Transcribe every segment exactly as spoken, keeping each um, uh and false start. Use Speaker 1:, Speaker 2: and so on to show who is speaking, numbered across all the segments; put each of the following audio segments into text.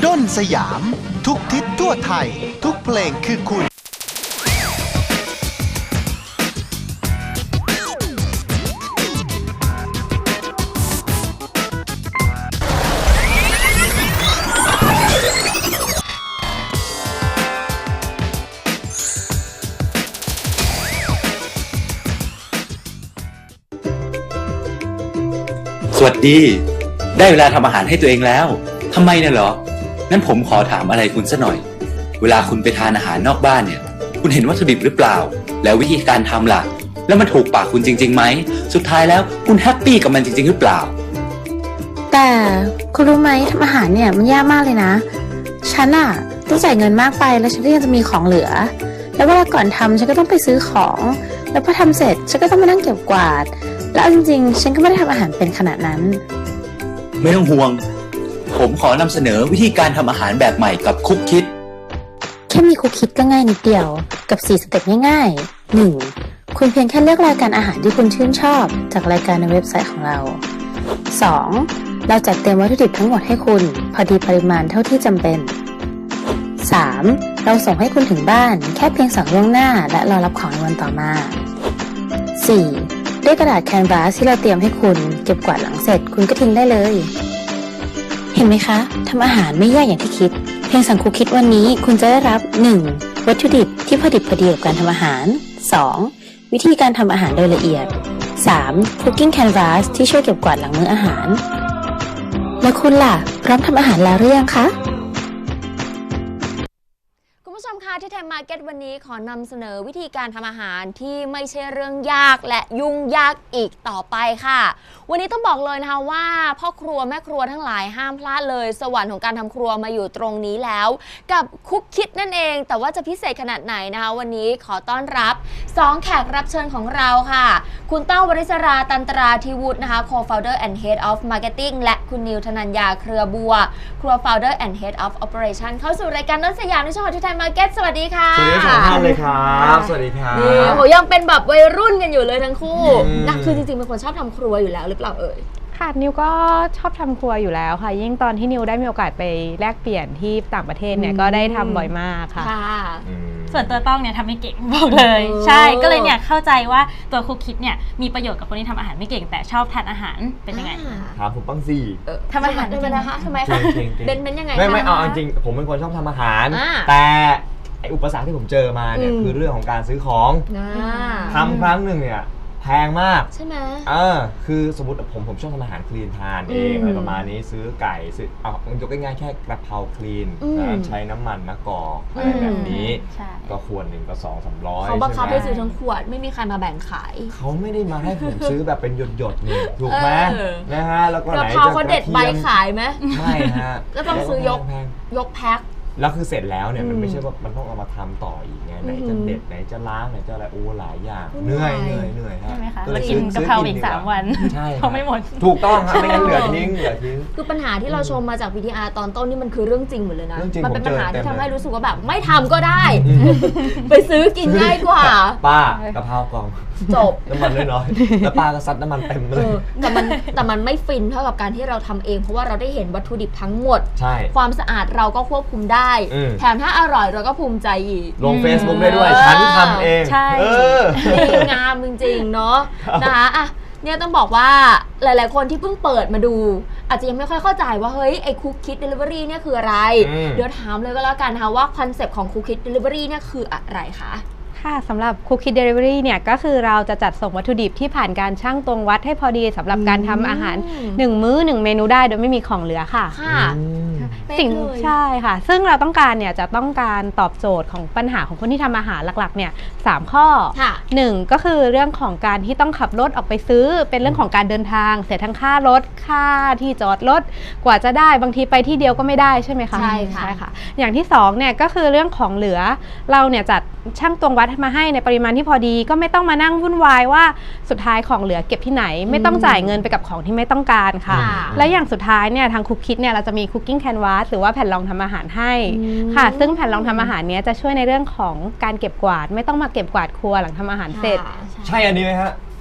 Speaker 1: ด้นสยามทุกทิศทั่วไทยทุกเพลงคือคุณ
Speaker 2: สวัสดีได้เวลาทำอาหารให้ตัวเองแล้วทำไมเนี่ยเหรองั้นผมขอถามอะไรคุณสักหน่อยเวลาคุณไปทานอาหารนอกบ้านเนี่ยคุณเห็นวัตถุดิบหรือเปล่าแล้ววิธีการทำล่ะแล้วมันถูกปากคุณจริงๆไหมสุดท้ายแล้วคุณแฮปปี้กับมันจริงๆหรือเปล่า
Speaker 3: แต่คุณรู้ไหมทำอาหารเนี่ยมันยากมากเลยนะฉันอะต้องจ่ายเงินมากไปแล้วฉันก็ยังจะมีของเหลือแล้วเวลาก่อนทำฉันก็ต้องไปซื้อของแล้วพอทำเสร็จฉันก็ต้องมานั่งเก็บกวาดแล้วจริงๆฉันก็ไม่ได้ทำอาหารเป็นขนาดนั้น
Speaker 2: ไม่ต้องห่วงผมขอนำเสนอวิธีการทำอาหารแบบใหม่กับคุกคิด
Speaker 3: แค่มีคุกคิดก็ง่ายนิดเดียวกับสี่สเต็ปง่ายๆ หนึ่ง คุณเพียงแค่เลือกรายการอาหารที่คุณชื่นชอบจากรายการในเว็บไซต์ของเรา สอง เราจัดเตรียมวัตถุดิบทั้งหมดให้คุณพอดีปริมาณเท่าที่จำเป็น สาม เราส่งให้คุณถึงบ้านแค่เพียงสั่งล่วงหน้าและรอรับของในวันต่อมา สี่ ด้วยกระดาษแคนวาสที่เราเตรียมให้คุณเก็บกวาดหลังเสร็จคุณก็ทิ้งได้เลยเห็นไหมคะทำอาหารไม่ยากอย่างที่คิดเพียงสั่งคุกคิดวันนี้คุณจะได้รับ หนึ่ง วัตถุดิบที่พอดิบพอดีกับการทำอาหาร สอง วิธีการทำอาหารโดยละเอียด สาม Cooking Canvas ที่ช่วยเก็บกวาดหลังมื้ออาหารแล้วคุณล่ะพร้อมทำอาหารแล้วหรือยังคะ
Speaker 4: คุณผู้ชมคะที่ไทยมาร์เก็ตวันนี้ขอนำเสนอวิธีการทำอาหารที่ไม่ใช่เรื่องยากและยุ่งยากอีกต่อไปค่ะวันนี้ต้องบอกเลยนะคะว่าพ่อครัวแม่ครัวทั้งหลายห้ามพลาดเลยสวรรค์ของการทำครัวมาอยู่ตรงนี้แล้วกับคุกคิดนั่นเองแต่ว่าจะพิเศษขนาดไหนนะคะวันนี้ขอต้อนรับสองแขกรับเชิญของเราค่ะคุณเต้าวริศราตันตราธิวุฒินะคะ Co-founder and Head of Marketing และคุณนิวธนัญญาเครือบัวครัว Founder and Head of Operation เข้าสู่รายการต้นสยามในช่องของที่ไทยมาร์เก็ตสวัสดีค่ะ
Speaker 5: สวัสดีทั้งท่านเลยครับสวัสดีครับ
Speaker 4: นี่โหยังเป็นแบบวัยรุ่นกันอยู่เลยทั้งคู่นะคือจริงๆเป็นคนชอบทำครัวอยู่แล้วหรือเปล่าเอ่ย
Speaker 6: ค่ะนิวก็ชอบทำครัวอยู่แล้วค่ะยิ่งตอนที่นิวได้มีโอกาสไปแลกเปลี่ยนที่ต่างประเทศเนี่ยก็ได้ทำบ่อยมากค่ะ
Speaker 7: ส่วนตัวต้องเนี่ยทำไม่เก่งบอกเลยใช่ก็เลยเนี่ยเข้าใจว่าตัวคุกคิดเนี่ยมีประโยชน์กับคนที่ทำอาหารไม่เก่งแต่ชอบทานอาหารเป็นยังไง
Speaker 5: ถามผมบ้างสิ
Speaker 4: ทำอาหารเป็นนะคะทำไมคะเบนเป็นยังไง
Speaker 5: ไม่ไม่เอาจริงผมเป็นคนชอบทำอาหารแต่อุปสรรคที่ผมเจอมาเนี่ยคือเรื่องของการซื้อของทำครั้งหนึ่งเนี่ยแพงมาก
Speaker 4: ใช่ไหม
Speaker 5: เออคือสมมติผมผมชอบทำอาหารคลีนทานเองอะไรประมาณนี้ซื้อไก่ซื้อเอายกง่ายๆแค่กระเพราคลีนใช้น้ำมันมะกอกอะไรแบบนี้ก็ขวดหนึ่งก็สองสามร้อย
Speaker 4: เขาบังคับให้ซื้อทั้งขวดไม่มีใครมาแบ่งขาย
Speaker 5: เขาไม่ได้มาให้ผมซื้อแบบเป็นหยดๆนี่ถูกไหมนะฮะแล้วก็ไหนจะ
Speaker 4: กระเพราเขาเด็ดใบขายไหม
Speaker 5: ไม่ฮะ
Speaker 4: ก็ต้องซื้อยกยกแพ็ค
Speaker 5: แล้วคือเสร็จแล้วเนี่ยมันไม่ใช่ว่ามันต้องเอามาทำต่ออีกไงไหนจะเด็ดไหนจะล้างไหนจะอะไรโอ้หลายอย่างเหนื่อยเหนื่อยเหนื่อย
Speaker 7: ใช่ไหมคะแล้วกินกะเพราอีกสามวัน
Speaker 5: ใช่
Speaker 7: เขาไม่หมด
Speaker 5: ถูกต้องครับไม่งั้นเหลือทิ้งเหลือทิ้ง
Speaker 4: คือปัญหาที่เราชมมาจาก วี ที อาร์ ตอนต้นนี่มันคือเรื่องจริงหมดเลยนะมันเป็นปัญหาที่ทำให้รู้สึกว่าแบบไม่ทำก็ได้ไปซื้อกินง่ายกว่า
Speaker 5: ป้ากะเพรากล่อง
Speaker 4: จบ
Speaker 5: น้ำมันน้อยๆแล้วป้าก็ซัดน้ำมันเต็มเลย
Speaker 4: แต่มันแต่มันไม่ฟินเท่ากับการที่เราทำเองเพราะว่าเราได้เห็นวัตถุดิบทั้งหมดความสะอาดเราก็ควบคุมได้แถมถ้าอร่อยเราก็ภูมิใจอีก
Speaker 5: ลง Facebook ได้ด้วยฉันทำเอง
Speaker 4: ใช่ดีงามจริงๆเนาะนะคะอ่ะเนี่ยต้องบอกว่าหลายๆคนที่เพิ่งเปิดมาดูอาจจะยังไม่ค่อยเข้าใจว่าเฮ้ยไอ้คุกคิดเดลิเวอรี่เนี่ยคืออะไรเดี๋ยวถามเลยก็แล้วกันนะคะว่าคอนเซปต์ของคุกคิดเดลิเวอรี่เนี่ยคืออะไรคะ
Speaker 6: ค่ะสำหรับ Cookie Delivery เนี่ยก็คือเราจะจัดส่งวัตถุดิบที่ผ่านการชั่งตวงวัดให้พอดีสำหรับการทำอาหารหนึ่งมื้อหนึ่งเมนูได้โดยไม่มีของเหลือค่ะ
Speaker 4: ค่ะ
Speaker 6: สิ่งใช่ค่ะซึ่งเราต้องการเนี่ยจะต้องการตอบโจทย์ของปัญหาของคนที่ทำอาหารหลักๆเนี่ยสามข้อหนึ่งก็คือเรื่องของการที่ต้องขับรถออกไปซื้อเป็นเรื่องของการเดินทางเสียทั้งค่ารถค่าที่จอดรถกว่าจะได้บางทีไปที่เดียวก็ไม่ได้ใช่ไหมคะ
Speaker 4: ใช่ค่ะ
Speaker 6: ใช่ค่ะอย่างที่สองเนี่ยก็คือเรื่องของเหลือเราเนี่ยจัดชั่งตวงวัดมาให้ในปริมาณที่พอดีก็ไม่ต้องมานั่งวุ่นวายว่าสุดท้ายของเหลือเก็บที่ไหนไม่ต้องจ่ายเงินไปกับของที่ไม่ต้องการค่ะและอย่างสุดท้ายเนี่ยทางคุกคิดเนี่ยเราจะมี Cooking Canvas หรือว่าแผ่นรองทำอาหารให้ค่ะซึ่งแผ่นรองทำอาหารเนี้ยจะช่วยในเรื่องของการเก็บกวาดไม่ต้องมาเก็บกวาดครัวหลังทำอาหารเสร็จ
Speaker 5: ใช่อันนี้ไหมฮะ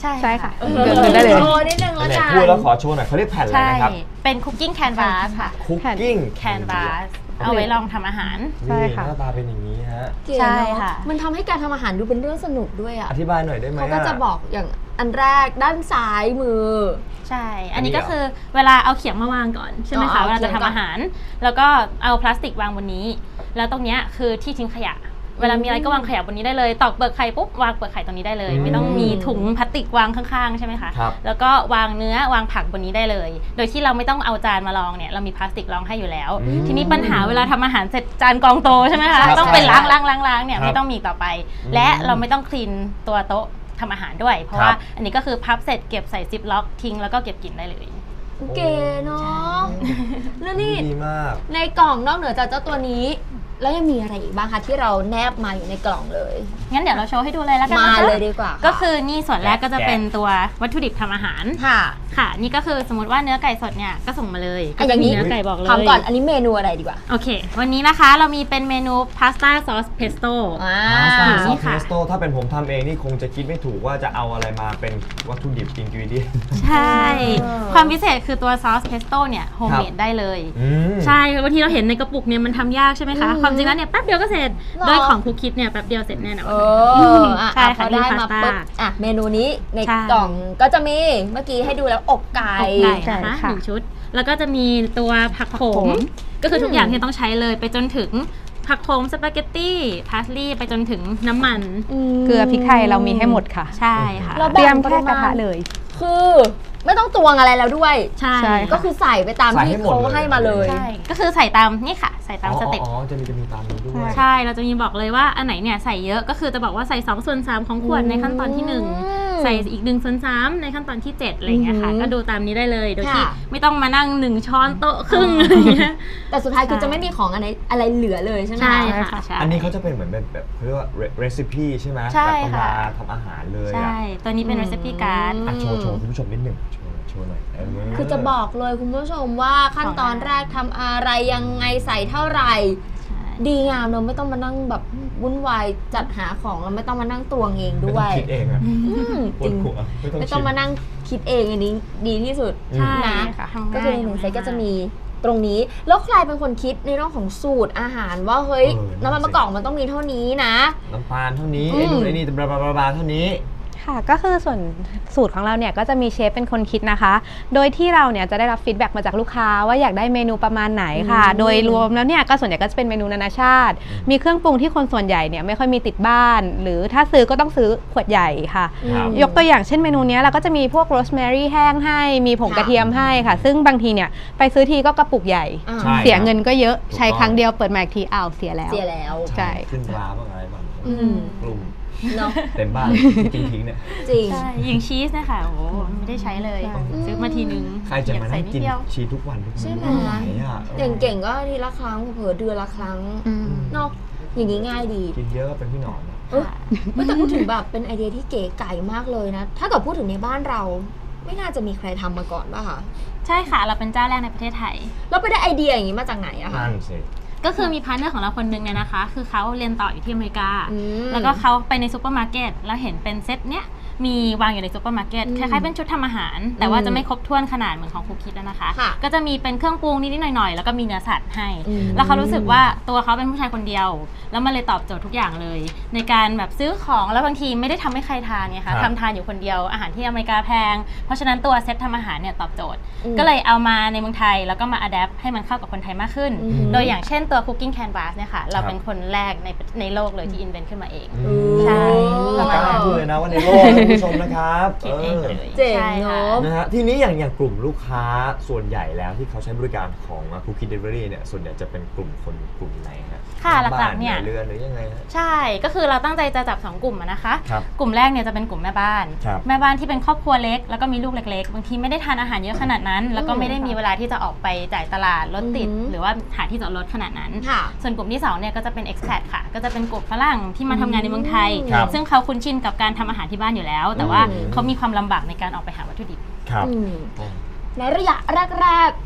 Speaker 7: ใช่
Speaker 6: ใช่ค่ะ
Speaker 4: เอ
Speaker 6: เดินได้เลย
Speaker 4: โชว์นิดนึง
Speaker 5: อั
Speaker 4: ละ
Speaker 5: นไหน
Speaker 4: กัน
Speaker 5: พูดแล้วขอโชว์หน่อยเขาเรียกแผ่นอะไร
Speaker 7: ใช่
Speaker 5: นะครับ
Speaker 7: เป็นคุกกิ้งแคนวาสค่ะ
Speaker 5: คุกกิ้ง
Speaker 7: แคนวาสเอาไว้ลองทำอาหาร
Speaker 6: ใช่
Speaker 5: นี่
Speaker 6: ค่ะ
Speaker 5: หน้าตาเป็นอย่างนี้ฮะ
Speaker 4: เก๋เนอ
Speaker 7: ใช่ค่ะ
Speaker 4: มันทำให้การทำอาหารดูเป็นเรื่องสนุกด้วยอ่ะ
Speaker 5: อธิบายหน่อยได้ไหม
Speaker 4: เขาก็จะบอกอย่างอันแรกด้านซ้ายมือ
Speaker 7: ใช่
Speaker 5: อั
Speaker 7: อั
Speaker 5: น
Speaker 7: น
Speaker 5: นี้
Speaker 7: นี้
Speaker 5: เหรอ
Speaker 7: ก็คือเวลาเอาเขียงมาวางก่อนใช่ไหม
Speaker 4: อ๋อ
Speaker 7: คะ
Speaker 4: เอา
Speaker 7: เวลาจะ
Speaker 4: เขียงก่อน
Speaker 7: ทำอาหาร แล้วก็เอาพลาสติกวางบนนี้ แล้วตรงเนี้ยคือที่ทิ้งขยะ เวลามีอะไรก็วางขยะบนนี้ได้เลย ตอกเปลือกไข่ปุ๊บวางเปลือกไข่ตรงนี้ได้เลย
Speaker 5: อืม
Speaker 7: ไม่ต้องมีถุงพลาสติกวางข้างๆใช่ไหมคะ
Speaker 5: ครับ
Speaker 7: แล้วก็วางเนื้อวางผักบนนี้ได้เลย โดยที่เราไม่ต้องเอาจานมารองเนี่ยเรามีพลาสติกรองให้อยู่แล้ว
Speaker 5: อืม
Speaker 7: ทีนี้ปัญหาเวลาทำอาหารเสร็จจานกองโตใช่ไหมคะ
Speaker 5: ครับ
Speaker 7: ต้องไป
Speaker 5: ใช่
Speaker 7: ล้างล้างล้างล้างเนี่ย
Speaker 5: ครับ
Speaker 7: ไม่ต้องมีต่อไป
Speaker 5: อืม
Speaker 7: และเราไม่ต้องคลีนตัวโต๊ะทำอาหารด้วย เพราะ
Speaker 5: ครับ
Speaker 7: ว่าอันนี้ก็คือพับเสร็จเก็บใส่ซิปล็อกทิ้งแล้วก็เก็บกินได้เลย
Speaker 4: เก๋เนาะแล้วนี่
Speaker 5: ดีมาก
Speaker 4: ในกล่องนอกเหนือจากเจ้าตัวนี้ แล้วยังมีอะไรอีกบ้างคะที่เราแนบมาอยู่ในกล่องเลย
Speaker 7: งั้นเดี๋ยวเราโชว์ให้ดูเลยแล้วกัน
Speaker 4: มา
Speaker 7: นะคะ
Speaker 4: เลยดีกว่าะ
Speaker 7: ก็คือนี่ส่วนแรกก็จะ
Speaker 5: แกะ
Speaker 7: เป็นตัววัตถุดิบทำอาหาร
Speaker 4: ค่ะ
Speaker 7: ค่ะ นี่ก็คือสมมติว่าเนื้อไก่สดเนี่ยก็ส่งมาเลย
Speaker 4: อ่ะอย่างนี้
Speaker 7: ก็จะมีเนื้อไก่บอกเลย
Speaker 4: ถามก่อนอันนี้เมนูอะไรดีกว่า
Speaker 7: โอเค วันนี้นะคะเรามีเป็นเมนูพาสต้าซอสเพสโต้
Speaker 4: อ่า
Speaker 5: พาสต้าซอ
Speaker 7: นี่
Speaker 5: สเพ
Speaker 7: ค่ะ
Speaker 5: สโต้ถ้าเป็นผมทำเองนี่คงจะคิดไม่ถูกว่าจะเอาอะไรมาเป็นวัตถุดิบอินกิวเดียน
Speaker 7: ใช่
Speaker 4: เออ
Speaker 7: ความพิเศษคือตัวซอสเพสโต้เนี่ยโฮมเมดได้เลย
Speaker 5: อืม
Speaker 7: ใช่บางทีเราเห็นในกระปุกเนี่ยมันทำยากใช่ไหมคะ
Speaker 4: อืม
Speaker 7: ความจริงแล้วเนี่ยแป๊บเดียวก็เสร็จ
Speaker 4: หรอ
Speaker 7: โดยของคุกคิดเนี่ยแป๊บเดียวเสร็จแน่นอน
Speaker 4: เอออ่ะ
Speaker 7: ใช่
Speaker 4: อ่ะพ
Speaker 7: ค่ะ
Speaker 4: อได้
Speaker 7: นี่
Speaker 4: มา
Speaker 7: พาสต้า
Speaker 4: ปุ๊บอ่ะเมนูนี้ใน
Speaker 7: ใช่
Speaker 4: กล่องก็จะมีเมื่อกี้ให้ดูแล้วอกไก่
Speaker 7: อกไก่นะคะ
Speaker 6: ค่ะ
Speaker 7: หนึ่งชุด แล้วก็จะมีตัวผักโข
Speaker 6: ผักโข
Speaker 7: ม
Speaker 6: ม
Speaker 7: ก็คือทุกอย่างที่ต้องใช้เลยไปจนถึงผักโขมสปาเกตตี้พาสลีย์ไปจนถึงน้ำมัน
Speaker 6: เกลือพริกไทยเรามีให้หมดค่ะ
Speaker 7: ใช่ค่ะ
Speaker 4: เรา
Speaker 6: เตรียมแค่กระทะเลย
Speaker 4: คือไม่ต้องตวงอะไรแล้วด้วย
Speaker 7: ใช่
Speaker 6: ใช่
Speaker 4: ก็คือใส่ไปตาม
Speaker 5: ใส่
Speaker 4: ที่
Speaker 5: ให้หมด
Speaker 4: เขา
Speaker 5: เลย
Speaker 4: ให้มาเลย
Speaker 7: ใช่ก็คือใส่ตามนี่ค่ะ ใส่ตามสเต็ป
Speaker 5: อ๋ออ๋อจะมีจะมีตามนี้ด้วย
Speaker 7: ใช่ เราจะมีบอกเลยว่าอันไหนเนี่ยใส่เยอะก็คือจะบอกว่าใส่สองส่วนสามของขวดในขั้นตอนที่หนึ่ง
Speaker 4: อืม
Speaker 7: ใส่อีกหนึ่งส่วนสามในขั้นตอนที่เจ็ดอะไรอย่างเงี้ยค่ะ
Speaker 4: อืม
Speaker 7: ก็ดูตามนี้ได้เลย โดยที่
Speaker 4: ค่ะ
Speaker 7: ไม่ต้องมานั่งหนึ่งช้อนโต๊ะครึ่งอะไรอย่างเงี้ย
Speaker 4: แต่สุดท้ายคือ
Speaker 7: ใช่
Speaker 4: จะไม่มีของอะไรอะไรเหลือเลยใช่ไหม
Speaker 7: ใช่
Speaker 4: คะ
Speaker 7: ค่ะใช่
Speaker 5: อันนี้เขาจะเป็นเหมือนแบบแบบเขาเรียกว่าเรซิปีใช่ไหม
Speaker 7: ใช่
Speaker 5: แบบตำรา
Speaker 7: ค่ะ
Speaker 5: ทำอาหารเลย
Speaker 7: ใช่
Speaker 5: อ่ะ
Speaker 7: ตัวนี้เป็น recipe card
Speaker 5: อ่ะโชว์โชว์คุณผู้ชมนิดหนึ่งโชว์โชว์หน่อยเ
Speaker 4: คือจะบอกเลยคุณผู้ชมว่าขั้นตอนแรกทำอะไรยังไงใส่เท่าไหร่
Speaker 7: ใช่
Speaker 4: ดีงามเนอะไม่ต้องมานั่งแบบวุ่นวายจัดหาของแล้วไม่ต้องมานั่งตวงเอง
Speaker 5: ไม่
Speaker 4: ด้
Speaker 5: ต้
Speaker 4: ว
Speaker 5: อง
Speaker 4: ย
Speaker 5: คิดเองอะ
Speaker 4: อืม
Speaker 5: ป
Speaker 4: จ
Speaker 5: ว
Speaker 4: ริ
Speaker 5: ด
Speaker 4: ง
Speaker 5: หัวไม่ต้อง
Speaker 4: ไม่
Speaker 5: คิ
Speaker 4: ต้อง
Speaker 5: ด
Speaker 4: มานั่งคิดเองอันนี้ดีที่สุด
Speaker 5: อืม
Speaker 7: ใช่
Speaker 4: นะ
Speaker 7: ค่ะทำ
Speaker 4: ก็คือในหนึ่งเซตก็จะมีตรงนี้ แล้วใครเป็นคนคิดในเรื่องของสูตรอาหารว่าเฮ้ย
Speaker 5: เออนั่น
Speaker 4: น้ำมัน
Speaker 5: สิ
Speaker 4: มะกอกมันต้องมีเท่านี้นะ
Speaker 5: น้ำตาลเท่านี้
Speaker 4: อืม
Speaker 5: ไอ้นู่นไอ้นี่บลาบลาบลาบลาเท่านี้
Speaker 6: ค่ะก็คือส่วนสูตรของเราเนี่ยก็จะมีเชฟเป็นคนคิดนะคะ โดยที่เราเนี่ยจะได้รับฟีดแบ็กมาจากลูกค้าว่าอยากได้เมนูประมาณไหนค่ะ
Speaker 4: อืม
Speaker 6: โดยรวมแล้วเนี่ยก็ส่วนใหญ่ก็จะเป็นเมนูนานาชาติ มีเครื่องปรุงที่คนส่วนใหญ่เนี่ยไม่ค่อยมีติดบ้าน หรือถ้าซื้อก็ต้องซื้อขวดใหญ่ค่ะ
Speaker 5: ครับ
Speaker 6: ยกตัวอย่างเช่นเมนูเนี้ยเราก็จะมีพวกโรสแมรี่แห้งให้ มีผง
Speaker 4: ค่ะ
Speaker 6: กระเทียมให้ค่ะ ซึ่งบางทีเนี่ยไปซื้อทีก็กระปุกใหญ่
Speaker 4: อ่า
Speaker 5: ใช่
Speaker 6: เสียเงินก็เยอะ
Speaker 5: ถูกต้อง
Speaker 6: ใช้ครั้งเดียวเปิดมาอีกทีอ้าวเสียแล้ว
Speaker 4: เสียแล้ว
Speaker 6: ใช่
Speaker 5: ขึ้นราบ้างอะไรบ้าง
Speaker 4: อืม
Speaker 5: กลุ่ม
Speaker 4: เนาะ
Speaker 5: เต็มบ้านจริงทิ้งเนี่ย
Speaker 4: จริง
Speaker 7: ใช่อย่างชีสนะคะโอ้โหไม่ได้ใช้เลย
Speaker 6: ใช่
Speaker 7: ซื้อมาทีนึง
Speaker 5: ใครจะมานั่งกิน
Speaker 7: อยใส่ดเดียว
Speaker 5: ชีสทุกวันทุกวัน
Speaker 4: ใช่ไหม
Speaker 5: ไหนอ่ะ
Speaker 4: เก่งๆก็อาทีละครั้งเผลอๆเดือนละครั้ง
Speaker 6: อืม
Speaker 4: เนาะอย่างนี้ง่ายดี
Speaker 5: กินเยอะก็เป็นพี่หนอนนะ
Speaker 4: เออเฮ้ยแต่พูดถึงแบบเป็นไอเดียที่เก๋ไก่มากเลยนะ ถ้าเกิดพูดถึงในบ้านเรา ไม่น่าจะมีใครทำมาก่อนป่ะคะ
Speaker 7: ใช่ค่ะ เราเป็นเจ้าแรกในประเทศไทย
Speaker 4: แล้วไปได้ไอเดียอย่างนี้มาจากไหนอะคะ
Speaker 5: นั่นสิ
Speaker 7: ก็คือมีพาร์ทเนอร์ของเราคนนึงเนี่ยนะคะ คือเขาเรียนต่ออยู่ที่อเมริกา
Speaker 4: อืม
Speaker 7: แล้วก็เขาไปในซูเปอร์มาร์เก็ตแล้วเห็นเป็นเซตเนี้ยมีวางอยู่ในซูเปอร์มาร์เก็ต
Speaker 4: อืม
Speaker 7: คล้ายๆเป็นชุดทำอาหาร แต่ว่าจะไม่ครบถ้วนขนาดเหมือนของคุกคิดนะคะ
Speaker 4: ค่ะ
Speaker 7: ก็จะมีเป็นเครื่องปรุงนิดๆหน่อยๆ แล้วก็มีเนื้อสัตว์ให้
Speaker 4: อืม
Speaker 7: แล้วเขารู้สึกว่าตัวเขาเป็นผู้ชายคนเดียว แล้วมันเลยตอบโจทย์ทุกอย่างเลย ในการแบบซื้อของแล้วบางทีไม่ได้ทำให้ใครทานไง
Speaker 5: ครั
Speaker 7: คะ
Speaker 5: บ
Speaker 7: ทำทานอยู่คนเดียวอาหารที่อเมริกาแพง เพราะฉะนั้นตัวเซตทำอาหารเนี่ยตอบโจทย์
Speaker 4: อืม
Speaker 7: ก็เลยเอามาในเมืองไทยแล้วก็มาอัดแอปให้มันเข้ากับคนไทยมากขึ้น
Speaker 4: อืม
Speaker 7: โดยอย่างเช่นตัว Cooking Canvas เนี่ยค่ะเรา
Speaker 5: ครับ
Speaker 7: เป็นคนแรกในในโลกเลยที่อินเวนต์ขึ้นมาเอง
Speaker 5: อืม
Speaker 7: ใช่
Speaker 5: กล้าพูดเลยนะว่าในโลกนะคุณผู้ชมนะครับ
Speaker 7: คิดเองเลย
Speaker 4: เจ๋ง
Speaker 7: ใช่ค่ะ
Speaker 4: เนาะ
Speaker 5: นะฮะทีนี้อย่างอย่างกลุ่มลูกค้าส่วนใหญ่แล้วที่เขาใช้บริการของคุกกี้เดลิเวอรี่เนี่ยส่วนใหญ่จะเป็นกลุ่มคนกลุ่มไหนฮะ
Speaker 7: ค่ะห
Speaker 5: บ้า
Speaker 7: ลักๆเนี่ย
Speaker 5: เรือนหรือยังไงฮะ
Speaker 7: ใช่ ก็คือเราตั้งใจจะจับสองกลุ่มอะนะคะ
Speaker 5: ครับ
Speaker 7: กลุ่มแรกเนี่ยจะเป็นกลุ่มแม่บ้าน
Speaker 5: ครับ
Speaker 7: แม่บ้านที่เป็นครอบครัวเล็กแล้วก็มีลูกเล็กๆ บางทีไม่ได้ทานอาหารเยอะขนาดนั้น แล้วก็ไม่ได้มีเวลาที่จะออกไปจ่ายตลาดรถติด
Speaker 4: อือหือ
Speaker 7: หรือว่าหาที่จอดรถขนาดนั้น
Speaker 4: ค่ะ
Speaker 7: ส่วนกลุ่มที่สองเนี่ยก็จะเป็น expat ค่ะ ก็จะเป็นกลุ่มฝรั่งที่มาทำงานในเมืองไทย
Speaker 5: ครับ
Speaker 7: ซึ่งเขาคุ้นชินกับการทำอาหารที่บ้านอยู่แล้ว แต่ว่า
Speaker 5: อืม
Speaker 7: เขามีความลำบากในการออกไปหาวัตถุดิบ
Speaker 5: ครับ
Speaker 4: อืมในระยะแรก ๆ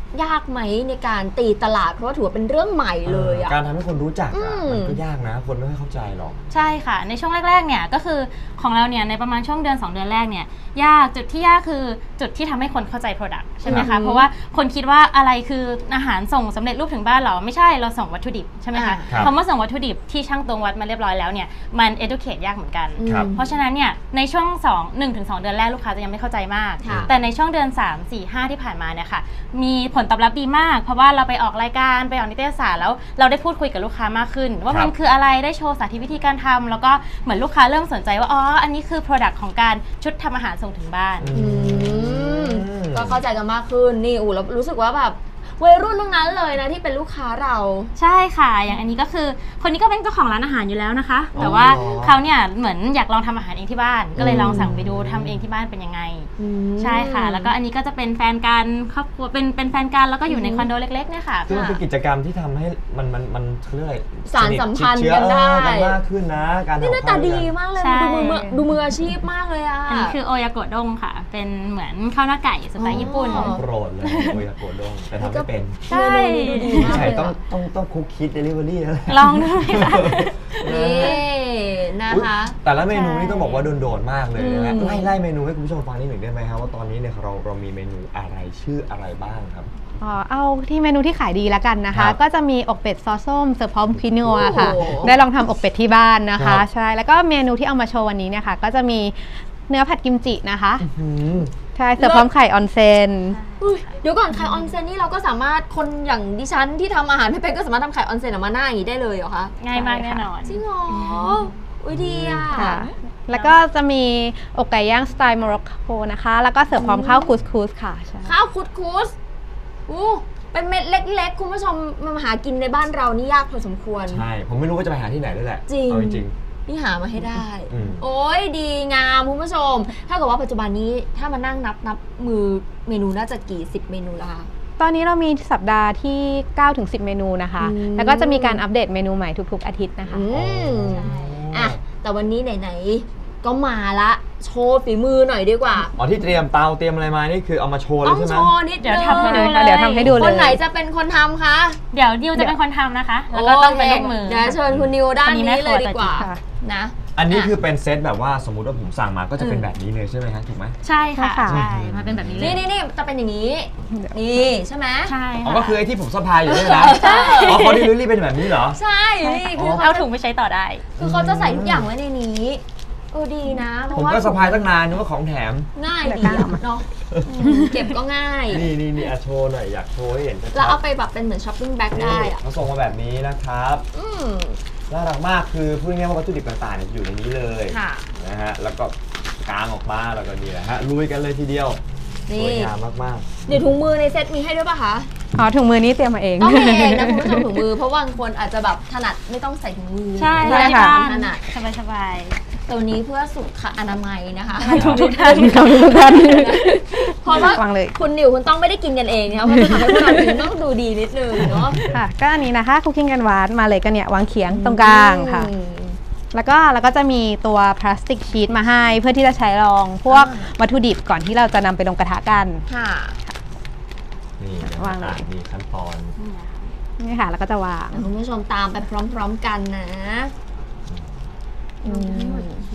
Speaker 4: ยากไหมในการตีตลาดเพราะว่าถือว่าเป็นเรื่องใหม่เลยอะ
Speaker 5: การทำให้คนรู้จัก
Speaker 4: อื
Speaker 5: อะ
Speaker 4: ม
Speaker 5: มันก็ยากนะ คนไม่ค่อยเข้าใจหรอก
Speaker 7: ใช่ค่ะในช่วงแรกๆเนี่ยก็คือของเราเนี่ยในประมาณช่วงเดือนสองเดือนแรกเนี่ยยากจุดที่ยากคือจุดที่ทำให้คนเข้าใจ Product ใช่ไหม
Speaker 4: อื
Speaker 7: คะ
Speaker 4: ม
Speaker 7: เพราะว่าคนคิดว่าอะไรคืออาหารส่งสำเร็จรูปถึงบ้านเหรอไม่ใช่เราส่งวัตถุดิบใช่ไหมคะ
Speaker 5: ครับ
Speaker 7: คำว่าส่งวัตถุดิบที่ช่างตวงวัดมาเรียบร้อยแล้วเนี่ยมัน educate ยากเหมือนกัน
Speaker 5: ครับ
Speaker 7: เพราะฉะนั้นเนี่ยในช่วงสอง หนึ่งถึงสองเดือนแรกลูกค้าจะยังไม่เข้าใจมาก
Speaker 4: ค่ะ
Speaker 7: แต่ในช่วงเดือนสาม สี่ ห้าที่ผ่านมาเนี่ยค่ะมีผลตอบรับดีมาก เพราะว่าเราไปออกรายการไปออกนิตยสารแล้วเราได้พูดคุยกับลูกค้ามากขึ้น ว่า
Speaker 5: ครับ
Speaker 7: มันคืออะไรได้โชว์สาธิตวิธีการทำแล้วก็เหมือนลูกค้าเริ่มสนใจว่าอ๋ออันนี้คือ Product ของการชุดทำอาหารส่งถึงบ้าน
Speaker 4: อืมก็เข้าใจกันมากขึ้นนี่อู๋แล้วรู้สึกว่าแบบวัยรุ่นทั้งนั้นเลยนะที่เป็นลูกค้าเรา
Speaker 7: ใช่ค่ะอย่างอันนี้ก็คือคนนี้ก็เป็นเจ้าของร้านอาหารอยู่แล้วนะคะ
Speaker 5: อ๋อ
Speaker 7: แต่ว่าเขาเนี่ยเหมือนอยากลองทำอาหารเองที่บ้าน ก็เลยลองสั่งไปดูทำเองที่บ้านเป็นยังไง ใช่ค่ะ แล้วก็อันนี้ก็จะเป็นแฟนกันครอบครัวเป็นเป็นแฟนกันแล้วก็อยู่ในคอนโดเล็กๆเนี่ยค่ะ
Speaker 5: คือมันเป็นกิจกรรมที่ทำให้มันมันมันเขาเรียกอะไร
Speaker 4: สานสัมพันธ์
Speaker 5: สทชิดเชื้อ
Speaker 4: กันได้
Speaker 5: เออกันมากขึ้นนะการ
Speaker 4: นี่หน้าตาดีมากเลย
Speaker 7: ใช่
Speaker 4: ดูมือมือดูมืออาชีพมากเลยอะ
Speaker 7: อันนี้คือโอยาโกะด้งค่ะ เป็นเหมือนข้าวหน้าไก่สไตล์ญี่ปุ่น
Speaker 4: อ๋อ
Speaker 5: โปรดเลยโอยาโกะด้งแต่ทำไม่เป็น
Speaker 7: ใช่
Speaker 4: เมนูนี้ดูดีมาก
Speaker 5: ใช่
Speaker 4: เลย
Speaker 5: ต้อง
Speaker 4: อะ
Speaker 5: ต้องต้องคุกคิดเดลิเวอรี่แล้วแหละ
Speaker 7: ลองดูไหมคะ
Speaker 4: นี่นะคะ
Speaker 5: อุ๊ยแต่ละเมนูนี่ต้องบอกว่าโดดๆมากเลยนะฮะ
Speaker 4: อืม
Speaker 5: ไล่ไล่เมนูให้คุณผู้ชมฟังนิดหนึ่งได้ไหมครับว่าตอนนี้เนี่ยเราเรามีเมนูอะไรชื่ออะไรบ้างครับ
Speaker 6: อ๋อเอาที่เมนูที่ขายดีแล้วกันนะ
Speaker 5: ครั
Speaker 6: คะ
Speaker 5: บ
Speaker 6: ก็จะมีอกเป็ดซอสส้มเสิร์ฟพร้อมคินัวค่ะ
Speaker 4: โอ้โห
Speaker 6: ได้ลองทำอกเป็ดที่บ้านนะ
Speaker 5: ครั
Speaker 6: คะ
Speaker 5: บ
Speaker 6: ใช่แล้วก็เมนูที่เอามาโชว์วันนี้เนี่ยค่ะก็จะมีเนื้อผัดกิมจินะคะ
Speaker 5: อืม
Speaker 6: ใช่เสิร์ฟพร้อมไข่ออนเซน
Speaker 4: อุ๊ยเดี๋ยวก่อนไข่ออนเซนนี่เราก็สามารถคนอย่างดิฉันที่ทำอาหารไม่เป็นก็สามารถทำไข่ออนเซนออกมาหน้าอย่างนี้ได้เลยเหรอคะ
Speaker 7: ง่ายมากแน่นอน
Speaker 4: จริงเหรออุ้ยดีอะ
Speaker 6: ค่ะแล้วก็จะมีอกไก่ย่างสไตล์โมร็อกโกนะคะแล้วก็เสิร์ฟพร้อมข้าวคูสคูสค่ะใช่
Speaker 4: ข้าวคุดคุสอู้เป็นเม็ดเล็กๆ คุณผู้ชมมาหากินในบ้านเรานี่ยากพอสมควร
Speaker 5: ใช่ ผมไม่รู้ว่าจะไปหาที่ไหนด้วยแหละ
Speaker 4: จริง
Speaker 5: เอาจริง
Speaker 4: นี่หามาให้ได้
Speaker 5: อืม
Speaker 4: โอ้ยดีงามคุณผู้ชม ถ้าเกิดว่าปัจจุบันนี้ถ้ามานั่งนับนับมือเมนูน่าจะกี่สิบเมนูละคะ
Speaker 6: ตอนนี้เรามีสัปดาห์ที่ เก้าถึงสิบ เมนูนะคะ
Speaker 4: อืม
Speaker 6: แล้วก็จะมีการอัปเดตเมนูใหม่ทุกๆ อาทิตย์นะคะ
Speaker 4: อืม
Speaker 7: ใช่
Speaker 4: อ่ะแต่วันนี้ไหนๆก็มาละโชว์ฝีมือหน่อยดีกว่า
Speaker 5: อ๋อที่เตรียมเตาเตรียมอะไรมานี่คือเอามาโชว์เล
Speaker 4: ต้
Speaker 5: ย
Speaker 4: อง
Speaker 5: ใช่ไหม
Speaker 4: โชว์นิด
Speaker 7: เดี๋ยว
Speaker 4: นึง
Speaker 7: ทำให้ดูเลย
Speaker 6: เดี๋ยวทำให้ดูเลย
Speaker 4: คนไหนจะเป็นคนทำคะ
Speaker 7: เดี๋ยวดิวจะเป็นคนทำนะคะ แล้วก็ต้องเป็นลูกมือ
Speaker 4: เดี๋ยวเชิญคุณนิวด้านนี้เลยดีกว่า
Speaker 6: ค่ะ
Speaker 4: นะ
Speaker 5: อันนี้
Speaker 4: ะ
Speaker 5: คือเป็นเซตแบบว่าสมมุติว่าผมสั่งมาก็จะเป็น
Speaker 4: อืม
Speaker 5: แบบนี้เลยใช่ไหมฮะถูกไหม
Speaker 7: ใช่ค่ะ
Speaker 6: ใช่ค่ะ
Speaker 7: ใช่มาเป็นแบบนี้เลย
Speaker 4: นี่นี่นี่จะเป็นอย่างนี้ นี่ใช่ไหม
Speaker 7: ใช่
Speaker 5: อ๋อ
Speaker 7: ค่ะ
Speaker 5: ก็คือไอ้ที่ผมสะพายอยู่นี่นะ
Speaker 4: ใช่
Speaker 5: อ๋อเขาดิลิเวอรี่เป็นแบบนี้เหรอ
Speaker 4: ใช่ นี่คือ
Speaker 7: เอา
Speaker 4: เขา
Speaker 7: ถุงไปใช้ต่อได้
Speaker 4: คือเขาจะใส่ทุกอย่างไว้ในนี้เออดีนะเพ
Speaker 5: ผม
Speaker 4: ราะว่า
Speaker 5: ก็สะพายตั้งนานนึกว่าของแถม
Speaker 4: ง่าย
Speaker 6: เดี๋ยว
Speaker 4: ดี
Speaker 6: กล้า
Speaker 4: อะ
Speaker 6: เอามา
Speaker 4: เนาะอืมเก็บก็ง่าย
Speaker 5: นี่นี่นี่อ่ะโชว์หน่อยอยากโชว์ให้เห็นชัดๆ
Speaker 4: แล้วเอาไปแบบเป็นเหมือนช้อปปิ้งแบ็คได้
Speaker 5: นี่
Speaker 4: อะ
Speaker 5: เขาส่งมาแบบนี้นะครับ
Speaker 4: อืม
Speaker 5: น่ารักมากคือพูดง่ายๆว่าวัตถุดิบต่างๆเนี่ยอยู่ในนี้เลย
Speaker 4: ค่ะ
Speaker 5: นะฮะแล้วก็กางออกมาแล้วก็นี่แหละฮะลุยกันเลยทีเดียวส
Speaker 4: นี่
Speaker 5: วยงามมาก
Speaker 4: เดี๋ยวถุงมือในเซ็ตมีให้ด้วยป่ะคะ
Speaker 6: อ๋อถุงมือนี้เตรียมมาเอง
Speaker 4: ต้องมีเองนะคุณผู้ชมถุงมือ เพราะบางคนอาจจะแบบถนัดไม่ต้องใส่ถุงมือ
Speaker 7: ใช่
Speaker 6: ใช่
Speaker 7: ที่
Speaker 6: ค่ะ
Speaker 7: บ้าน
Speaker 4: ถนัด
Speaker 7: สบายสบาย
Speaker 4: ตัวนี้เพื่อสุขอนามัยนะคะ
Speaker 7: ทุกทุกท่าน
Speaker 6: ขอบคุณทุกท่าน
Speaker 4: เพราะว่าว
Speaker 6: างเลย
Speaker 4: คุณนิวคุณต้องไม่ได้กินกันเองนะคะเพราะจะทำให้พวกเรากินต้องดูดีนิดนึงเนาะ
Speaker 6: ค่ะก็อันนี้นะคะคุกกิ้งกันหวานมาเลยก็เนี่ยวางเขียงตรงกลางค่ะ
Speaker 4: อืม
Speaker 6: แล้วก็เราก็จะมีตัวพลาสติกชีตมาให้เพื่อที่จะใช้รองพวก
Speaker 4: อ่า
Speaker 6: วัตถุดิบก่อนที่เราจะนำไปลงกระทะกัน
Speaker 4: ค่ะ
Speaker 5: ๆนี่นะฮะ
Speaker 6: วางเลย
Speaker 5: อ่ะมีขั้นตอน
Speaker 6: นี่ค่ะแล้วก็จะวาง
Speaker 4: คุณผู้ชมตามไปพร้อมๆกันนะอืม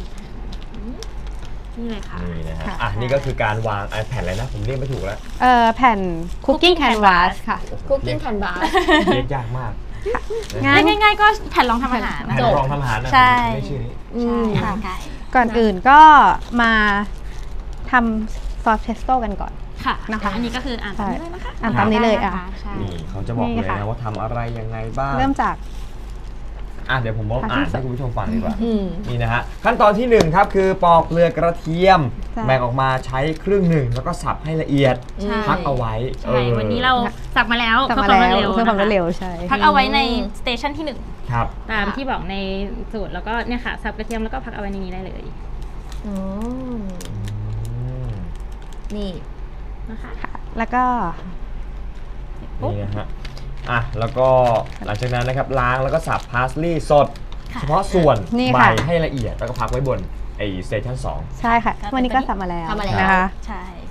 Speaker 7: นี่เลยค่ะ
Speaker 5: นี่นะฮะ
Speaker 6: ค่ะ
Speaker 5: อ่ะนี่ก็คือการวางไอแผ่นอะไรนะผมเรียกไม่ถูกแล้ว
Speaker 6: เอ่อแผ่นคุกกิ้งแคนวาสค่ะ
Speaker 4: คุกกิ้งแคนวาส
Speaker 5: เรียกยากมาก
Speaker 6: ง่าย
Speaker 7: ง่ายๆก็แผ่นรองทำอาหาร
Speaker 5: แผ่น
Speaker 7: จบ
Speaker 5: รองทำอาหารนะ
Speaker 7: ใช่
Speaker 5: ผมไม่ชื่อนี้
Speaker 4: อืม
Speaker 7: ใช่ค่ะ
Speaker 6: ก่อนอื่นก็มาทำซอสเพสโต้กันก่อน
Speaker 7: ค่ะ
Speaker 6: นะคะ
Speaker 7: อันนี้ก็คืออ่านตามนี้เลยนะคะ
Speaker 6: อ่านตามนี้เลยอ่ะ
Speaker 7: ใช่
Speaker 5: นี่เขาจะบอก
Speaker 6: นี่
Speaker 5: เลย
Speaker 6: ค่ะ
Speaker 5: นะว่าทำอะไรยังไงบ้าง
Speaker 6: เริ่มจาก
Speaker 5: อ่ะเดี๋ยวผมลองอ่านให้คุณผู้ชมฟังดีกว่า
Speaker 4: อืม
Speaker 5: นี่นะฮะขั้นตอนที่หนึ่งครับคือปอกเปลือกกระเทียม
Speaker 6: ใช่
Speaker 5: แบ่งออกมาใช้ครึ่งหนึ่งแล้วก็สับให้ละเอียด
Speaker 4: ใช่
Speaker 5: พักเอาไว้
Speaker 7: ใช่ วันนี้เราสับมาแล้ว
Speaker 6: กลับ
Speaker 7: เพื่อ
Speaker 6: มา
Speaker 7: ความร
Speaker 6: แล้ว
Speaker 7: วดเร็ว
Speaker 6: เพื่อความรวดเร็ว
Speaker 7: นะคะ
Speaker 6: ใช่
Speaker 7: พักเอาไว้ในสเตชันที่หนึ่ง
Speaker 5: ครับ
Speaker 7: ตามที่บอกในสูตรแล้วก็เนี่ยค่ะสับกระเทียมแล้วก็พักเอาไว้ในนี้ได้เลย
Speaker 4: อืม
Speaker 5: อืม
Speaker 4: นี่
Speaker 7: นะคะ
Speaker 6: แล้วก็
Speaker 5: นี่นะฮะอ่ะแล้วก็หลังจากนั้นนะครับล้างแล้วก็สับพาสลีย์สด
Speaker 7: ค่ะ
Speaker 5: เฉพาะส่วน
Speaker 6: นี่
Speaker 5: ใบ
Speaker 6: ค่ะ
Speaker 5: ให้ละเอียดแล้วก็พักไว้บนไอ้สเตชันสอง
Speaker 6: ใช่ค่ะวันนี้ก็สับมาแล้ว
Speaker 4: ทำมาแล้ว
Speaker 6: นะคะ
Speaker 7: ใช่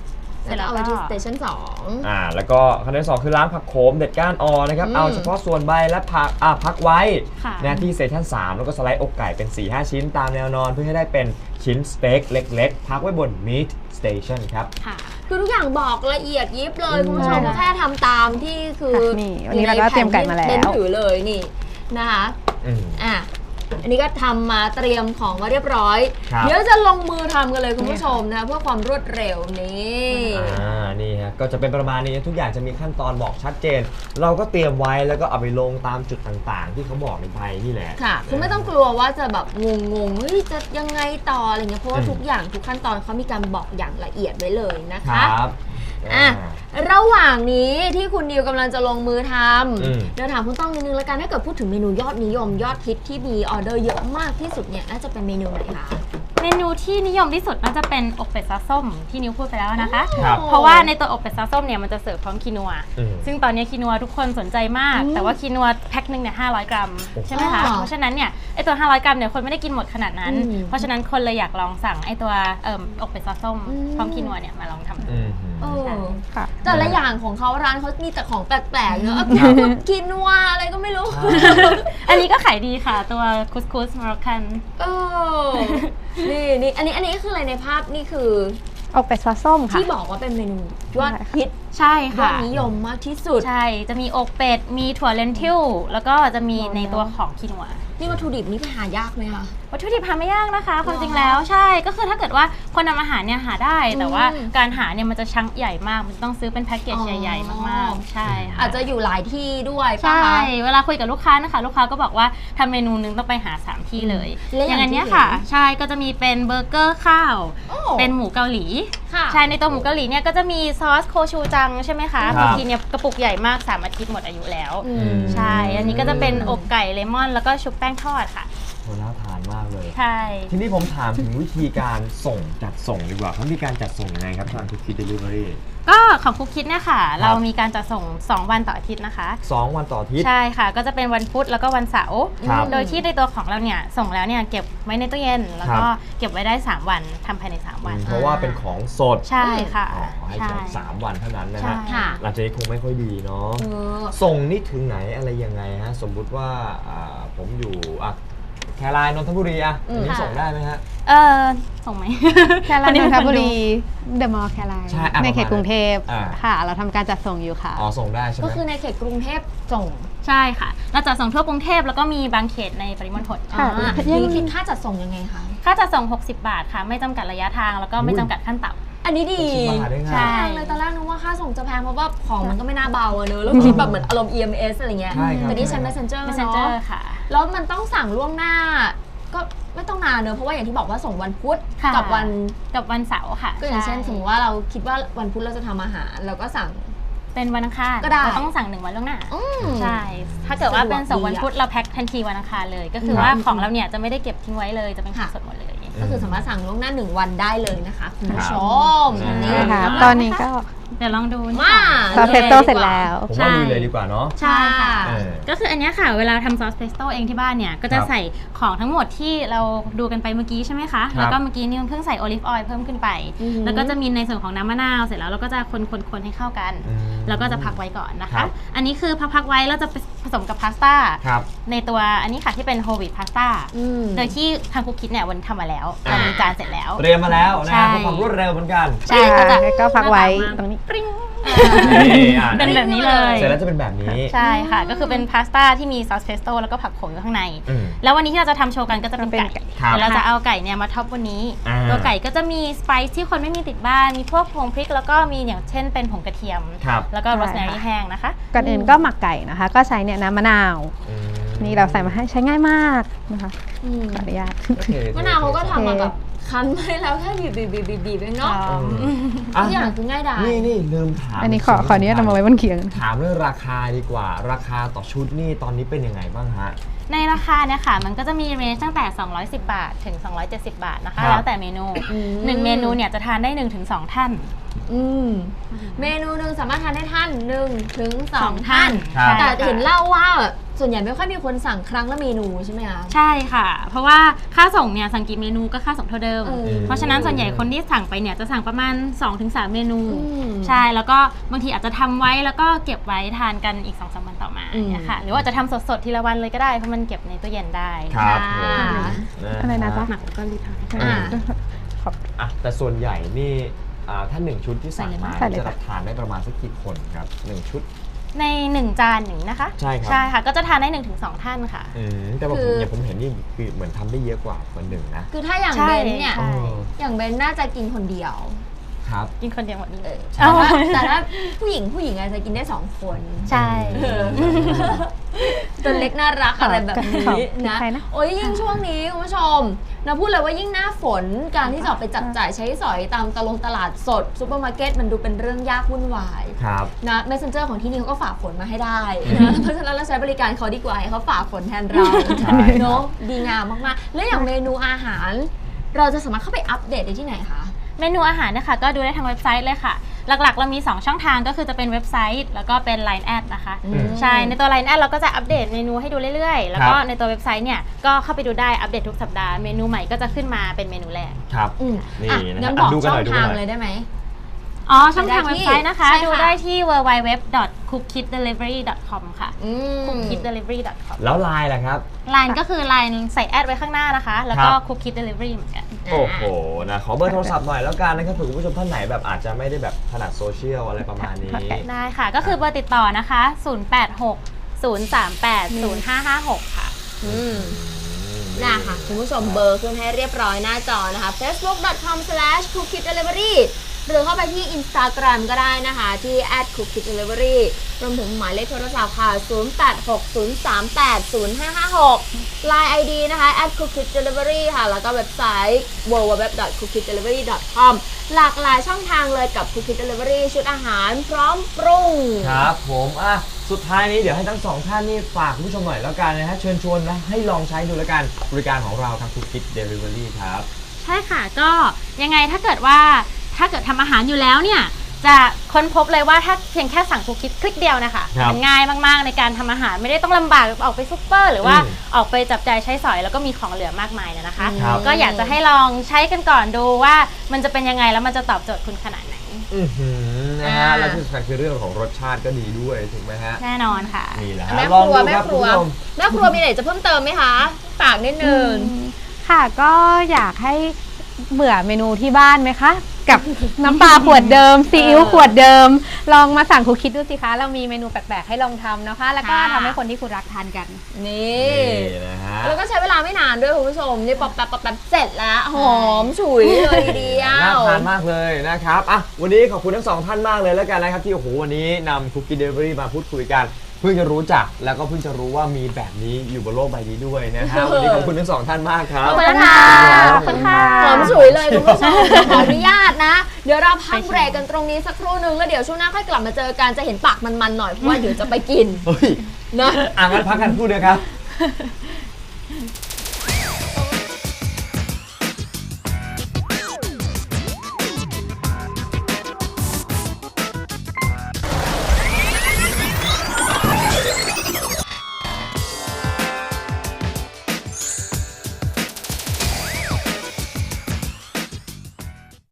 Speaker 7: เสร็จ
Speaker 4: แล้ว
Speaker 7: แล้ว
Speaker 4: เอา
Speaker 7: ก็
Speaker 4: ไว้ที่สเตชันสอง
Speaker 5: อ่าแล้วก็ขั้นที่สองคือล้างผักโขมเด็ดก้านออนะครับ
Speaker 4: อืม
Speaker 5: เอาเฉพาะส่วนใบและผักอ่าพักไว้
Speaker 7: ค่ะ
Speaker 5: นะที่เซสชั่นสามแล้วก็สไลด์อกไก่เป็น สี่ห้า ชิ้นตามแนวนอนเพื่อให้ได้เป็นชิ้นสเต็กเล็กๆ พักไว้บน Meat Station ครับ
Speaker 7: ค่ะ
Speaker 4: คือทุกอย่างบอกละเอียดยิบเลย
Speaker 5: อืม
Speaker 4: คุณผู้ชม
Speaker 6: ใช่
Speaker 4: แค่ทำตามที่คือ
Speaker 6: ค่ะนี่วันนี้เราก็เตรียมไก่มาแล้ว
Speaker 4: เน้นถือเลยนี่นะคะ
Speaker 5: อืม
Speaker 4: อ่ะอันนี้ก็ทำมาเตรียมของมาเรียบร้อย
Speaker 5: ครับ
Speaker 4: เดี๋ยวจะลงมือทำกันเลยคุณผู้ชมนะคะเพื่อความรวดเร็วนี่
Speaker 5: อ่า นี่ฮะ ก็จะเป็นประมาณนี้ทุกอย่างจะมีขั้นตอนบอกชัดเจน เราก็เตรียมไว้แล้วก็เอาไปลงตามจุดต่างๆ ที่เขาบอกในใบนี่แหละ
Speaker 4: ค่ะคุณไม่ต้องกลัวว่าจะแบบงงๆเฮ้ยจะยังไงต่ออะไรเงี้ยเพราะว่า
Speaker 5: อืม
Speaker 4: ทุกอย่างทุกขั้นตอนเขามีการบอกอย่างละเอียดไว้เลยนะ
Speaker 5: ค
Speaker 4: คะ
Speaker 5: รับ
Speaker 4: อ่ะ ระหว่างนี้ที่คุณนิวกำลังจะลงมือท
Speaker 5: อืม
Speaker 4: ำเดี๋ยวถามคุณต้องนิดนึงแล้วกันถ้าเกิดพูดถึงเมนูยอดนิยมยอดฮิตที่มีออเดอร์เยอะมากที่สุดเนี่ยน่าจะเป็นเมนูไหนคะ
Speaker 7: เมนูที่นิยมที่สุดน่าจะเป็นอกเป็ดซอสส้มที่นิวพูดไปแล้วนะคะ
Speaker 5: ครับ
Speaker 7: เพราะว่าในตัวอกเป็ดซอสส้มเนี่ยมันจะเสิร์ฟพร้อมคีนัว
Speaker 5: อืม
Speaker 7: ซึ่งตอนนี้คีนัวทุกคนสนใจมาก
Speaker 4: อืม
Speaker 7: แต่ว่าคีนัวแพ็คหนึ่งเนี่ยห้าร้อยกรัมใช่ไหมคะ
Speaker 4: อ๋อ
Speaker 7: เพราะฉะนั้นเนี่ยไอตัวห้าร้อยกรัมเนี่ยคนไม่ได้กินหมดขนาดนั้น
Speaker 4: อืม
Speaker 7: เพราะฉะนั้นคนเลยอยากลองสั่งไอตัวเอ่ออกเป็ดซอสส้ม
Speaker 4: อืม
Speaker 7: พร้อมคีนัวเนี่ยมาลองทำดู
Speaker 5: อืม
Speaker 4: เออ
Speaker 6: ค่ะ
Speaker 4: แต่ละอย่างของเขาร้านเขามีแต่ของแปลกๆเนอะพูดกินว่าอะไรก็ไม่รู้
Speaker 7: อันนี้ก็ขายดีค่ะตัวคุสคุสมาร็อกกัน
Speaker 4: เออนี่นี่อันนี้อันนี้คืออะไรในภาพนี่คือ
Speaker 6: อกเป็ดซอสส้มค่ะ
Speaker 4: ที่บอกว่าเป็นเมนูยอดฮิต
Speaker 7: ใช่
Speaker 4: ยอ
Speaker 7: ค่ะ
Speaker 4: ดนิยมมากที่สุด
Speaker 7: ใช่ จะมีอกเป็ด มีถั่วเลนทิล แล้วก็จะมีในตัวของคีนัว
Speaker 4: นี่วัตถุดิบนี่ไปหายากไหมคะ
Speaker 7: วัตถุดิบหาไม่ยากนะคะความจริงแล้วใช่ ก็คือถ้าเกิดว่าคนทำอาหารเนี่ยหาได้ แต่ว่า
Speaker 4: อืม
Speaker 7: การหาเนี่ยมันจะชั้งใหญ่มาก มันต้องซื้อเป็นแพ็กเกจ
Speaker 4: อ๋อ
Speaker 7: ใหญ่ๆมากๆ ใช่ค่ะ
Speaker 4: อาจจะอยู่หลายที่ด้วยปะ
Speaker 7: ใช่
Speaker 4: คะ
Speaker 7: เวลาคุยกับลูกค้านะคะ ลูกค้าก็บอกว่าทำเมนูนึงต้องไปหาสามที่เลย
Speaker 4: และอย่าง
Speaker 7: อย่างอันเนี้ย
Speaker 4: ที่
Speaker 7: ค่ะ
Speaker 4: เห็น
Speaker 7: ใช่ ก็จะมีเป็นเบอร์เกอร์ข้าว
Speaker 4: โอ้
Speaker 7: เป็นหมูเกาหลี
Speaker 4: ค่ะ
Speaker 7: ใช่ ในตัวหมูเกาหลีเนี่ยก็จะมีซอสโคชูจังใช่ไหมคะ
Speaker 5: ครับ
Speaker 7: บางทีเนี่ยกระปุกใหญ่มากสามอาทิตย์หมดอายุแล้ว
Speaker 4: อืม
Speaker 7: ใช่ อันนี้ก็จะเป็นอกไก่เลมอน แล้วก็ชุบแป้งทอดค่ะ
Speaker 5: โหน่าทานมากเลย
Speaker 7: ใช่
Speaker 5: ทีนี้ผมถามถึงวิธีการส่งจัดส่งดีกว่าเขามีการจัดส่งยังไงครับทางคุกกี้เดลิเวอรี่
Speaker 7: ก็ของคุกคิดเนี่ยค่ะ เรามีการจัดส่งสองวันต่ออาทิตย์นะคะ
Speaker 5: สองวันต่ออาทิตย์
Speaker 7: ใช่ค่ะ ก็จะเป็นวันพุธแล้วก็วันเสาร์
Speaker 5: ครับ
Speaker 7: โดยที่ในตัวของเราเนี่ยส่งแล้วเนี่ยเก็บไว้ในตู้เย็น แล้วก็
Speaker 5: ครับ
Speaker 7: เก็บไว้ได้สามวันทำภายในสามวัน
Speaker 5: เพราะว่าเป็นของสด
Speaker 7: ใช่ค่ะ
Speaker 5: อ๋อให้
Speaker 7: ใช่
Speaker 5: แค่สามวันเท่านั้นนะ
Speaker 7: ใช่
Speaker 5: ฮะ
Speaker 4: ค่ะ
Speaker 5: หลังจากนี้คงไม่ค่อยดีเนาะ
Speaker 4: เออ
Speaker 5: ส่งนี่ถึงไหนอะไรยังไงฮะ สมมุติว่าอ่าผมอยู่อ่ะแครายนนทบุรีอ่ะ
Speaker 4: อืม
Speaker 5: อันนี้
Speaker 7: ค่ะ
Speaker 5: ส่งได้ไหมฮะ
Speaker 7: เออส่งไหม
Speaker 6: แคลายนนทบุรีเดอะมอลล์แคลาย
Speaker 5: ใช่อ่ะ
Speaker 6: ในเขตกรุงเทพ
Speaker 5: อ่า
Speaker 6: ค่ะ เราทำการจัดส่งอยู่ค่ะ
Speaker 5: อ๋อส่งได้ใช่ไหม
Speaker 4: ก็คือในเขตกรุงเทพส่ง
Speaker 7: ใช่ค่ะ เราจัดส่งทั่วกรุงเทพแล้วก็มีบางเขตในปริมณฑล
Speaker 6: ค่ะ
Speaker 4: อ่า
Speaker 6: ยัง
Speaker 4: นี่คิดค่าจัดส่งยังไงคะ
Speaker 7: ค่าจัดส่งหกสิบบาทค่ะ ไม่จำกัดระยะทางแล้วก็ไม่จำกัดขั้นต่ำ
Speaker 4: อันนี้ดี
Speaker 5: สิบบาทได้ไง
Speaker 7: ใช่
Speaker 4: แพงเลยตอนแรกนึกว่าค่าส่งจะแพงเพราะว่าของมันก็ไม่น่าเบาอะเนอะแล้วคิดแบบเหมือนอารมณ์ อี เอ็ม เอส อะไรเงี้ย
Speaker 5: ใช่ครับ
Speaker 4: แต่นี่ใช้ Messenger เน
Speaker 7: Messenger
Speaker 4: อะ
Speaker 7: ค่ะ
Speaker 4: แล้วมันต้องสั่งล่วงหน้า ก็ไม่ต้องนานเนอะเพราะว่าอย่างที่บอกว่าส่งวันพุธ
Speaker 7: ค่ะ
Speaker 4: กับวัน
Speaker 7: กับวันเสาร์ค่ะ
Speaker 4: ก็อย่างเช่น
Speaker 7: ใ
Speaker 4: สมมติว่าเราคิดว่าวันพุธเราจะทำอาหารเราก็สั่ง
Speaker 7: เป็นวันอังคาร
Speaker 4: ก็ได้
Speaker 7: เราต้องสั่งหนึ่งวันล่วงหน้า
Speaker 4: อืม
Speaker 7: ใช่ ถ้าเกิดว่าเป็นส่งวัน
Speaker 4: สะดวกดีอะ
Speaker 7: พุธเราแพ็คทันทีวันอังคารเลย ก็คือ
Speaker 5: ครับ
Speaker 7: ว่าของเราเนี่ยจะไม่ได้เก็บทิ้งไว้เลยจะเป็นของ
Speaker 4: ค่ะ
Speaker 7: สดหมดเลย
Speaker 4: ก็คือสามารถสั่งล่วงหน้าหนึ่งวันได้เลยนะคะคุณผู้ชม
Speaker 5: ครับ
Speaker 4: นี่
Speaker 6: ใช่ค่ะ
Speaker 7: อืม
Speaker 6: ตอนนี้ก็
Speaker 7: เดี๋ยวลองดูนี่
Speaker 4: มา
Speaker 6: ซอสเพสโต้เสร็จแล้ว
Speaker 5: ผมว่าลุยเลยดีกว่าเนาะ
Speaker 7: ใช่ค่ะ
Speaker 5: เออ
Speaker 7: ก็คืออันเนี้ยค่ะ เวลาทำซอสเพสโต้เองที่บ้านเนี่ย ก็จะ
Speaker 5: ครับ
Speaker 7: ใส่ของทั้งหมดที่เราดูกันไปเมื่อกี้ใช่ไหมคะ
Speaker 5: ครับ
Speaker 7: แล้วก็เมื่อกี้นี่เพิ่งใส่โอลิฟออยล์เพิ่มขึ้นไป
Speaker 4: อือหือ
Speaker 7: แล้วก็จะมีในส่วนของน้ำมะนาวเสร็จแล้วเราก็จะคนๆๆให้เข้ากัน
Speaker 5: อืม
Speaker 7: แล้วก็จะพักไว้ก่อนนะ
Speaker 5: ครั
Speaker 7: คะ
Speaker 5: บ
Speaker 7: อันนี้คือพักๆไว้แล้วจะผสมกับพาสต้า
Speaker 5: ครับ
Speaker 7: ในตัวอันนี้ค่ะที่เป็นโฮลวีตพาสต้า
Speaker 4: อืม
Speaker 7: โดยที่ทางคุกคิดเนี่ยวันนี้ทำมาแล้ว
Speaker 5: อ่า
Speaker 7: เรามีจานเสร็จแล้ว
Speaker 5: เตรียมมาแล้วนะ
Speaker 7: ใช่
Speaker 5: ฮะเพื่อความรวดเร็วเหมือนกัน
Speaker 7: ใช่ก็จะ
Speaker 6: ก็พักไว้
Speaker 7: หน้า
Speaker 6: ตรงนี้
Speaker 7: ปริ้ง
Speaker 5: นี่อ่ะ
Speaker 7: เป็นแบบนี้เลย
Speaker 5: เสร็จแล้วจะเป็นแบบนี้
Speaker 7: ใช่ค่ะ ก็คือเป็นพาสต้าที่มีซอสเพสโต้แล้วก็ผักโขมอยู่ข้างใน
Speaker 5: อืม
Speaker 7: แล้ววันนี้ที่เราจะทำโชว์กันก็จะเป็น
Speaker 6: เป็น
Speaker 7: ไก่
Speaker 6: ไก่
Speaker 5: ครับ
Speaker 7: เดี๋ยวเราจะเอาไก่เนี่ยมาท็อปวันนี้
Speaker 5: อ่า
Speaker 7: ตัวไก่ก็จะมีสไปซ์ที่คนไม่มีติดบ้าน มีพวกผงพริก แล้วก็มีอย่างเช่นเป็นผงกระเทียม
Speaker 5: ครับ
Speaker 7: แล้วก็
Speaker 6: ใช่
Speaker 7: โรสแมรี่
Speaker 6: ค่ะ
Speaker 7: แห้งนะคะ
Speaker 6: ก่อนอื่นก็หมักไก่นะคะ ก็ใช้เนี่ยน้ำมะนาว
Speaker 5: อืม
Speaker 6: นี่เราใส่มาให้ใช้ง่ายมากนะคะ
Speaker 4: อืม
Speaker 6: ขออนุญาต
Speaker 5: โอเค
Speaker 4: มะนาวเขาก็ทำมา
Speaker 6: โอเค
Speaker 4: แบบคั้นไว้แล้วแค่บีบบีบบีบบีบบีบเองเนาะ
Speaker 5: อืม
Speaker 4: ทุกอย่างคือง่ายดาย
Speaker 5: นี่นี่ลืมถาม
Speaker 6: อันนี้ขอขออนุญาตเอามาไว้บนเขียง
Speaker 5: ถามเรื่องราคาดีกว่า ราคาต่อชุดนี่ตอนนี้เป็นยังไงบ้างฮะ
Speaker 7: ในราคาเนี่ยค่ะ มันก็จะมีเรนจ์ตั้งแต่ สองร้อยสิบบาท ถึง สองร้อยเจ็ดสิบบาทนะ
Speaker 5: ครั
Speaker 7: คะ
Speaker 5: บ
Speaker 7: แล้วแต่เมนู
Speaker 4: อืม
Speaker 7: หนึ่งเมนูเนี่ยจะทานได้ หนึ่งถึงสอง ท่าน
Speaker 4: อืมเมนูหนึ่งสามารถทานได้ท่านหนึ่งถึงสองท่าน
Speaker 5: ครับ
Speaker 4: แต่เห็นเล่าว่าส่วนใหญ่ไม่ค่อยมีคนสั่งครั้งละเมนูใช่ไหมคะ
Speaker 7: ใช่ค่ะ เพราะว่าค่าส่งเนี่ยสั่งกี่เมนูก็ค่าส่งเท่าเดิม
Speaker 4: เออ
Speaker 7: เพราะฉะนั้นส่วนใหญ่คนที่สั่งไปเนี่ยจะสั่งประมาณ สองถึงสาม เมนู
Speaker 4: อืม
Speaker 7: ใช่แล้วก็บางทีอาจจะทำไว้แล้วก็เก็บไว้ทานกันอีก สองสาม วันต่อมา
Speaker 4: อืม
Speaker 7: เนี่ยค่ะหรือว่าจะทำสดๆทีละวันเลยก็ได้เพราะมันเก็บในตู้เย็นได้
Speaker 5: ครับ
Speaker 4: ค่ะ
Speaker 5: ผม
Speaker 6: อะไรนะจ๊ะ
Speaker 7: หมักแล้วก็รีดทาน
Speaker 4: อ่า
Speaker 5: อ่ะแต่ส่วนใหญ่นี่อ่าถ้าหนึ่งชุดที่สั่งมา
Speaker 6: ใส่เลย
Speaker 5: จะรับทานได้ประมาณสักกี่คนครับหนึ่งชุด
Speaker 7: ในหนึ่งจานอย่างนี้นะคะ
Speaker 5: ใช่ครับ
Speaker 7: ใช่ค่ะก็จะทานได้หนึ่งถึงสองท่านค่ะ
Speaker 5: อืมแต่ว่า
Speaker 4: คื
Speaker 5: ผม
Speaker 4: อ
Speaker 5: อย่างผมเห็นนี่คือเหมือนทำได้เยอะกว่าคนหนึ่งนะ
Speaker 4: คือถ้าอย่าง
Speaker 7: ใช่
Speaker 4: เบนเนี่ย
Speaker 7: ใช่
Speaker 4: อย่างเบนน่าจะกินคนเดียว
Speaker 5: ครับ
Speaker 7: กินคนเดียวหมดนี้เลย
Speaker 4: แต่ถ้าแต่ถ้าผู้หญิงผู้หญิงอาจจะกินได้สองคน
Speaker 7: ใช่
Speaker 4: ตัวเล็กน่ารักอะไรแบบนี้นะ
Speaker 6: ใครนะ
Speaker 4: โอ้ยยิ่งช่วงนี้คุณผู้ชมนะพูดเลยว่ายิ่งหน้าฝนการที่จะออกไปจับจ่ายใช้สอยตามตลงตลาดสดซูเปอร์มาร์เก็ตมันดูเป็นเรื่องยากวุ่นวาย
Speaker 5: ครับ
Speaker 4: นะ Messenger ของที่นี่เขาก็ฝ่าฝนมาให้ได้นะเพราะฉะนั้นเราใช้บริการเขาดีกว่าให้เขาฝ่าฝนแทนเรา
Speaker 5: ใช่
Speaker 4: เนาะดีงามมากๆ แล้วอย่างเมนูอาหาร เราจะสามารถเข้าไปอัปเดตได้ที่ไหนคะ
Speaker 7: เมนูอาหารนะคะก็ดูได้ทางเว็บไซต์เลยค่ะ หลักๆ เรามี สอง ช่องทางก็คือจะเป็นเว็บไซต์แล้วก็เป็น ไลน์ แอดนะคะ
Speaker 4: อืม
Speaker 7: ใช่ในตัว ไลน์ แอดเราก็จะอัปเดตเมนูให้ดูเรื่อยๆ แล้วก็
Speaker 5: ครับ
Speaker 7: ในตัวเว็บไซต์เนี่ยก็เข้าไปดูได้อัปเดตทุกสัปดาห์เมนูใหม่ก็จะขึ้นมาเป็นเมนูแรก
Speaker 5: ครับ
Speaker 4: อืม
Speaker 5: นี่
Speaker 4: อ่ะ
Speaker 5: นะ
Speaker 4: งั้น
Speaker 5: ครับ
Speaker 4: บอก
Speaker 5: ดูกัน
Speaker 4: ช่
Speaker 5: ห
Speaker 4: อ
Speaker 5: น่อง ยดูกัน
Speaker 4: ทาง
Speaker 5: หน่อย
Speaker 4: เลยได้ไหม
Speaker 7: อ๋อช่องทาง
Speaker 4: ไปได้
Speaker 7: เว็บไซต์นะคะ
Speaker 4: ที่ใช่ค่ะ
Speaker 7: ดูได้ที่ ดับเบิลยู ดับเบิลยู ดับเบิลยู ดอท คุกคิดเดลิเวอรี่ ดอท คอม ค่ะ
Speaker 4: อืม
Speaker 7: คุกคิดเดลิเวอรี่ ดอท คอม
Speaker 5: แล้วไลน์ล่ะครับ
Speaker 7: ไลน์ก็คือไลน์ใส่แอดไว้ข้างหน้านะคะ แล้วก็
Speaker 5: ครับ
Speaker 7: คุกคิดเดลิเวอรี่เหมือนกัน
Speaker 5: โอ้โหนะขอเบอร์โทรศัพท์หน่อยแล้วกันนะครับเผื่อคุณผู้ชมท่านไหนแบบอาจจะไม่ได้แบบถนัดโซเชียลอะไรประมาณนี้
Speaker 7: ได้ค่ะ ก็คือเบอร์ติดต่อนะคะ ศูนย์ แปด หก ศูนย์ สาม แปด ศูนย์ ห้า ห้า หก ค่ะ
Speaker 4: อืมน่าค่ะคุณผู้ชมเบอร์ขึ้นให้เรียบร้อยหน้าจอนะคะ เฟซบุ๊ก ดอท คอม สแลช คุกคิดเดลิเวอรี่ หรือเข้าไปที่ Instagram ก็ได้นะคะที่ แอท คุกคิดเดลิเวอรี่ รวมถึงหมายเลขโทรศัพท์ค่ะ ศูนย์ แปด หก ศูนย์ สาม แปด ศูนย์ ห้า ห้า หก ไลน์ ไอ ดี นะคะ แอท คุกคิดเดลิเวอรี่ ค่ะ แล้วก็เว็บไซต์ ดับเบิลยู ดับเบิลยู ดับเบิลยู ดอท คุกคิดเดลิเวอรี่ ดอท คอม หลากหลายช่องทางเลยกับ Cook Kit Delivery ชุดอาหารพร้อมปรุง
Speaker 5: ครับผมอ่ะสุดท้ายนี้เดี๋ยวให้ทั้งสองท่านนี่ฝากคุณผู้ชมหน่อยแล้วกันนะฮะเชิญชวนนะให้ลองใช้ดูแล้วกันบริการของเราทาง Cook Kit Delivery ครับ
Speaker 7: ใช่ค่ะก็ยังไงถ้าเกิดว่าถ้าเกิดทำอาหารอยู่แล้วเนี่ยจะค้นพบเลยว่าถ้าเพียงแค่สั่งคุกคิดคลิกเดียวนะคะ
Speaker 5: ครับ
Speaker 7: มันง่ายมากๆในการทำอาหารไม่ได้ต้องลำบากออกไปซุปเปอร์ หรือว่า
Speaker 5: อืม
Speaker 7: ออกไปจับจ่ายใช้สอยแล้วก็มีของเหลือมากมายนะคะ
Speaker 5: ครับ
Speaker 7: ก็อยากจะให้ลองใช้กันก่อนดูว่ามันจะเป็นยังไงแล้วมันจะตอบโจทย์คุณขนาดไหน
Speaker 5: อื้อหือนะฮะ
Speaker 4: อ่า
Speaker 5: และที่สำคัญคือเรื่องของรสชาติก็ดีด้วยถูกไหมฮะ
Speaker 7: แน่นอนค่ะ
Speaker 5: นี่แหละ
Speaker 4: แม่
Speaker 5: ฮะ
Speaker 4: ค
Speaker 5: ลอง
Speaker 4: รัว
Speaker 5: ดู
Speaker 4: แม่
Speaker 5: ครับ
Speaker 4: ค
Speaker 5: คุณ
Speaker 4: รัว
Speaker 5: ผู้ชม
Speaker 4: แม่ครัวมีอะไรจะเพิ่มเติมไหมคะฝากนิดนึง
Speaker 6: ค่ะก็อยากให้เบื่อเมนูที่บ้านไหมคะ กับน้ำปลาขวดเดิมซีอิ๊วขวดเดิม ลองมาสั่งคุกคิดดูสิคะ เรามีเมนูแปลกๆให้ลองทำนะคะ แล้วก็
Speaker 4: ค่ะ
Speaker 6: ทำให้คนที่คุณรักทานกัน
Speaker 4: นี่
Speaker 5: นี่นะฮะ
Speaker 4: แล้วก็ใช้เวลาไม่นานด้วยคุณผู้ชมนี่ป๊อปแป๊บป๊อปแป๊บเสร็จแล้วหอมฉุยเลยทีเดีย
Speaker 5: น่าว ทานมากเลยนะครับอ่ะวันนี้ขอบคุณทั้งสองท่านมากเลยแล้วกันนะครับที่โอ้โหวันนี้นำ Cook Kit Delivery มาพูดคุยกัน เพิ่งจะรู้จักแล้วก็เพิ่งจะรู้ว่ามีแบบนี้อยู่บนโลกใบนี้ด้วยนะฮะวันนี้ขอบคุณทั้งสองท่านมากครับ
Speaker 4: ขอบคุณค่ะ
Speaker 7: ขอบคุณค่ะ
Speaker 4: หอมฉุยเลยคุณผู้ชมขออนุญาตนะ เดี๋ยวเราพักเบรกกันตรงนี้สักครู่นึงแล้วเดี๋ยวช่วงหน้าค่อยกลับมาเจอกันจะเห็นปากมันๆหน่อยเพราะว่าเดี๋ยวจะไปกิน
Speaker 5: เฮ้ย
Speaker 4: นะ
Speaker 5: อ่ะงั้นพักกันครู่เดียวครับ